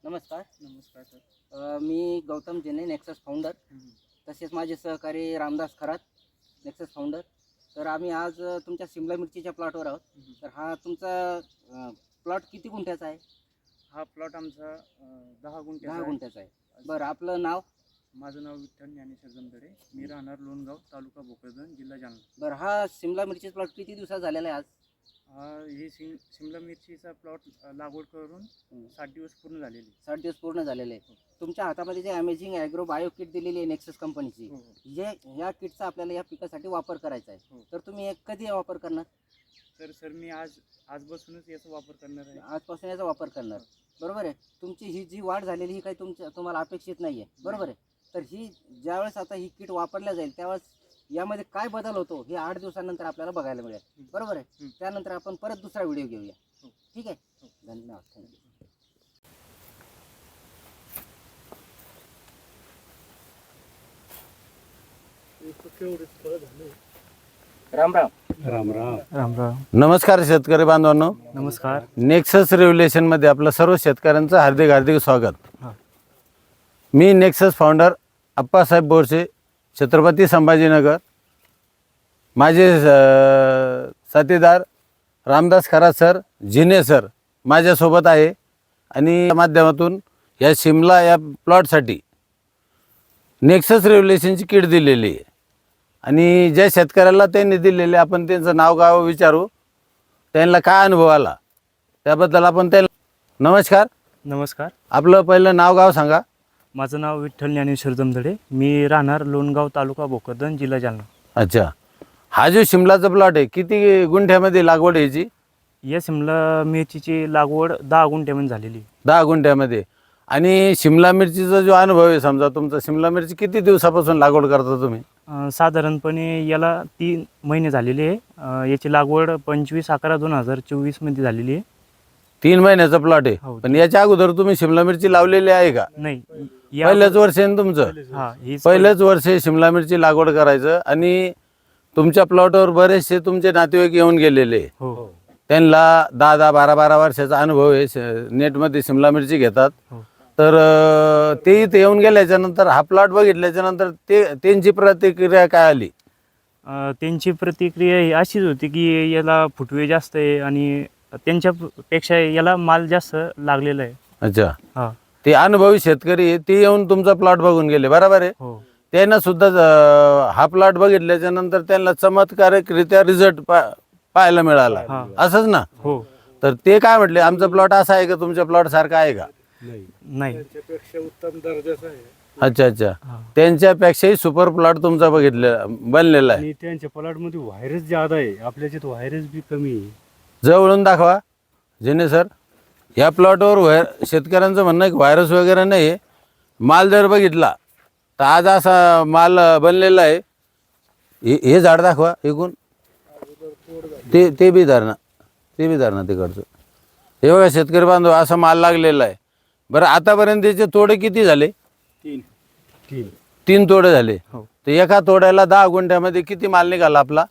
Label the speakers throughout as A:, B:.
A: नमस्कार.
B: नमस्कार सर.
A: मी गौतम जेने, नेक्सस फाउंडर. तसेच माझे सहकारी रामदास खरात, नेक्सस फाउंडर. तर आम्ही आज तुमच्या सिमला मिरचीच्या प्लॉटवर आहोत. तर हा तुमचा प्लॉट किती गुंठ्याचा आहे?
B: हा प्लॉट आमचा 10 गुंठ्याचा
A: 10
B: आहे.
A: गुंठ्याचा आहे. बरं, आपलं नाव?
B: माझं नाव विठ्ठल ज्ञानेश्वर जमदडे. मी राहणार लोणगाव, तालुका भोकरदन, जिल्हा जालना.
A: बरं, हा सिमला मिरची प्लॉट किती दिवसात झालेला आहे आज?
B: ही शिमला मिरचीचा प्लॉट लागवड करून 60 दिवस पूर्ण झालेली.
A: 60 दिवस पूर्ण झालेले आहे. तुमच्या हातामध्ये जे अमेझिंग ॲग्रो बायो किट दिलेली आहे नेक्सस कंपनीची,
B: हो.
A: जे ह्या किटचा आपल्याला या पिकासाठी वापर करायचा आहे.
B: हो.
A: तर तुम्ही कधी वापर करणार?
B: तर सर मी आजपासूनच याचा वापर करणार आहे.
A: आजपासून याचा वापर करणार. बरोबर आहे. तुमची ही जी वाढ झालेली ही काही तुम्हाला अपेक्षित नाही आहे. बरोबर आहे. तर ही ज्यावेळेस आता ही किट वापरल्या जाईल त्यावेळेस यामध्ये काय बदल होतो हे 8 दिवसानंतर आपल्याला बघायला मिळेल. बरोबर आहे. त्यानंतर आपण परत दुसरा व्हिडिओ घेऊया. ठीक आहे. धन्यवाद. थँक्यू. राम राम.
C: राम राम.
B: राम राम.
C: नमस्कार शेतकरी बांधवांनो.
B: नमस्कार.
C: नेक्सस रेव्होल्युशन मध्ये आपलं सर्व शेतकऱ्यांचं हार्दिक हार्दिक स्वागत. मी नेक्सस फाउंडर अप्पासाहेब बोरसे, छत्रपती संभाजीनगर. माझे साथीदार रामदास खरात सर, जिने सर माझ्यासोबत आहे. आणि या माध्यमातून या शिमला या प्लॉटसाठी नेक्सस रेव्होल्युशनची किट दिलेली आहे. आणि ज्या शेतकऱ्याला त्यांनी दिलेले आपण त्यांचं नाव गाव विचारू, त्यांना काय अनुभव आला त्याबद्दल आपण त्यांना. नमस्कार.
B: नमस्कार.
C: आपलं पहिलं नाव गाव सांगा.
B: माझं नाव विठ्ठल ज्ञानेश्वर जमदडे. मी राहणार लोणगाव, तालुका भोकरदन, जिल्हा जालना.
C: अच्छा, हा जो शिमलाचा प्लॉट आहे किती गुंठ्यामध्ये लागवड आहे याची?
B: या शिमला मिरचीची लागवड 10 गुंठ्यामध्ये झालेली.
C: 10 गुंठ्यामध्ये. आणि शिमला मिरचीचा जो अनुभव आहे, समजा तुमचा शिमला मिरची किती दिवसापासून लागवड करता तुम्ही?
B: साधारणपणे याला 3 महिने झालेले आहे. याची लागवड 25/11/2024 मध्ये झालेली आहे.
C: 3 महिन्याचा प्लॉट आहे.
B: हो.
C: पण याच्या अगोदर तुम्ही शिमला मिरची लावलेली आहे का?
B: नाही,
C: पहिलंच वर्ष आहे ना तुमचं? पहिलंच वर्ष शिमला मिरची लागवड करायचं. आणि तुमच्या प्लॉटवर बरेचसे तुमचे नातेवाईक येऊन गेलेले.
B: हो.
C: त्यांना 10-10, 12-12 वर्षाचा अनुभव आहे. नेटमध्ये शिमला मिरची घेतात.
B: हो.
C: तर ते इथे येऊन गेल्याच्या नंतर हा प्लॉट बघितल्याच्या नंतर त्यांची प्रतिक्रिया काय आली?
B: त्यांची प्रतिक्रिया ही अशीच होती की याला फुटवे जास्त आहे आणि त्यांच्यापेक्षा याला माल जास्त लागलेला आहे.
C: अच्छा.
B: हा.
C: ते अनुभवी शेतकरी आहे, ते येऊन तुमचा प्लॉट बघून गेले. बरोबर आहे.
B: हो.
C: त्यांना सुद्धा हा प्लॉट बघितल्याच्या नंतर त्यांना चमत्कारिकरित्या रिझल्ट पाहायला मिळाला.
B: हा.
C: असंच ना?
B: हो.
C: तर ते काय म्हटले, आमचा प्लॉट असा आहे का तुमच्या प्लॉट सारखा आहे का?
B: नाही.
D: त्यांच्यापेक्षा उत्तम दर्जाचा आहे.
C: अच्छा अच्छा.
B: हा.
C: त्यांच्यापेक्षाही सुपर प्लॉट तुमचा बनलेला आहे.
D: आणि त्यांच्या प्लॉटमध्ये व्हायरस ज्यादा आहे, आपल्या याच्यात व्हायरस बी कमी आहे.
C: जवळून दाखवा जेने सर. या प्लॉटवर शेतकऱ्यांचं म्हणणं आहे की व्हायरस वगैरे नाही आहे. माल जर बघितला तर आज असा माल बनलेला आहे. हे झाड दाखवा एकूण. ते बी धरणा तिकडचं. हे बघा शेतकरी बांधव, असा माल लागलेला आहे. बरं, आतापर्यंत त्याचे तोडे किती झाले? 3 तोडे झाले.
B: हो.
C: तर एका तोड्याला 10 गुंठ्यामध्ये किती माल निघाला आपला?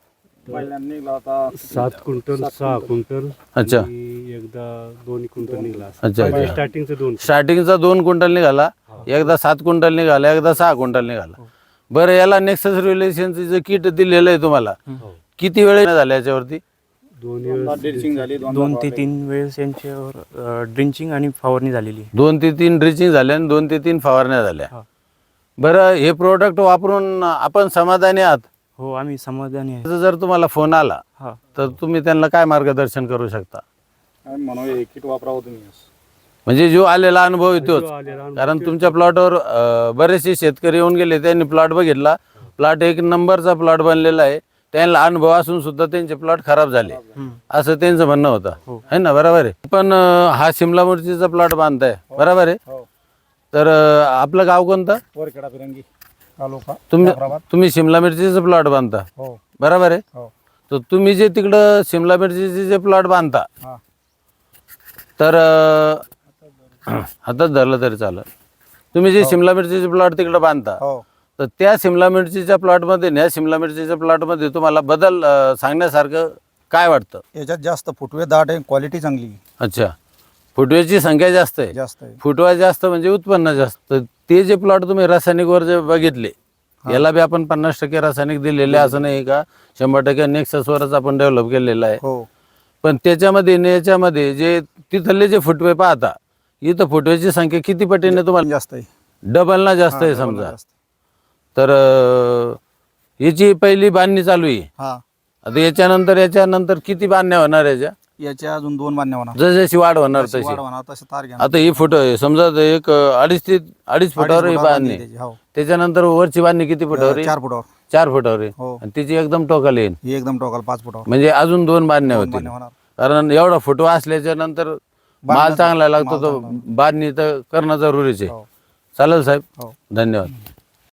D: 7 क्विंटल 6 क्विंटल.
C: अच्छा.
D: आणि एकदा 2 क्विंटल निघाला.
C: अच्छा, अच्छा.
D: स्टार्टिंगचं 2.
C: स्टार्टिंगचा 2 क्विंटल निघाला, एकदा 7 क्विंटल निघाला, एकदा 6 क्विंटल निघाला. बरं, याला नेक्सस रिलेशनचं जे किट दिलेलं आहे तुम्हाला, किती वेळ झाला याच्यावरती?
B: 2 ते 3 वेळेस यांच्यावर ड्रिंचिंग आणि फवारणी झालेली.
C: 2 ते 3 ड्रिचिंग झाल्या आणि 2 ते 3 फवारण्या झाल्या.
B: हा.
C: बरं, हे प्रोडक्ट वापरून आपण समाधानी आहात?
B: हो, आम्ही समाधानी आहे.
C: जर तुम्हाला फोन आला
B: हा.
C: तर तुम्ही त्यांना काय मार्गदर्शन करू शकता?
D: किट वापरावं तुम्ही.
C: म्हणजे जो आलेला अनुभव येतोच. कारण तुमच्या प्लॉटवर बरेचसे शेतकरी येऊन गेले, त्यांनी प्लॉट बघितला. प्लॉट एक नंबरचा प्लॉट बनलेला आहे. त्यांना अनुभव असून सुद्धा त्यांचे प्लॉट खराब झाले असं त्यांचं म्हणणं होतं, है ना? बरोबर आहे. पण हा शिमला मिरचीचा प्लॉट बांधताय, बरोबर आहे. तर आपलं गाव कोणतं?
D: वरखेडा फिरंगी तालुका.
C: तुम्ही शिमला मिरचीचा प्लॉट बांधता, बरोबर आहे. तर तुम्ही जे तिकडं शिमला मिरचीचे जे प्लॉट बांधता, तर हातात धरलं तरी चालेल. तुम्ही जे शिमला मिरचीचे प्लॉट तिकडं बांधता, तर त्या शिमला मिरचीच्या प्लॉटमध्ये ह्या शिमला मिरचीच्या प्लॉटमध्ये तुम्हाला बदल सांगण्यासारखं काय वाटतं?
E: याच्यात जास्त फुटवे दाट आहे, क्वालिटी चांगली आहे.
C: अच्छा, फुटव्याची संख्या जास्त आहे.
E: जास्त आहे.
C: फुटवा जास्त म्हणजे उत्पन्न जास्त. ते जे प्लॉट तुम्ही रासायनिकवर जे बघितले, याला बी आपण 50% रासायनिक दिलेले, असं नाही का 100% नेक्ससवरच आपण डेव्हलप केलेलं आहे.
E: हो
C: पण त्याच्यामध्ये आणि याच्यामध्ये जे तिथले जे फुटवे पाहता, इथं फुटव्याची संख्या किती पटीने तुम्हाला
E: जास्त आहे.
C: डबल ना जास्त आहे
E: हा, डबल
C: समजा.
E: जास्त.
C: तर याची पहिली बांधणी चालू आहे.
E: हा
C: आता याच्यानंतर किती बांधण्या होणार याच्या?
E: याच्या अजून 2 बांधण्या होणार.
C: जशी वाढ होणार
E: तशी
C: तशी.
E: वाढ होणार, तशी तार घेणार.
C: आता ही फुट समजा एक 2.5 फुटावर ही बांधणी.
E: त्याची, हो.
C: त्याच्यानंतर वरची बांधणी किती फुटावर आहे?
E: 4 फुटावर.
C: 4 फुटावर आहे.
E: हो.
C: आणि तिची एकदम टोकाला येईल,
E: ही एकदम टोकाल 5 फुटावर.
C: म्हणजे अजून 2 बांधण्या
E: 2
C: होतील.
E: बांधण्या होणार.
C: कारण एवढा फुटवा असल्याच्या नंतर माल चांगला लागतो, तो बांधणी तर करणं जरुरीच आहे.
E: हो.
C: चालेल साहेब,
E: हो.
C: धन्यवाद.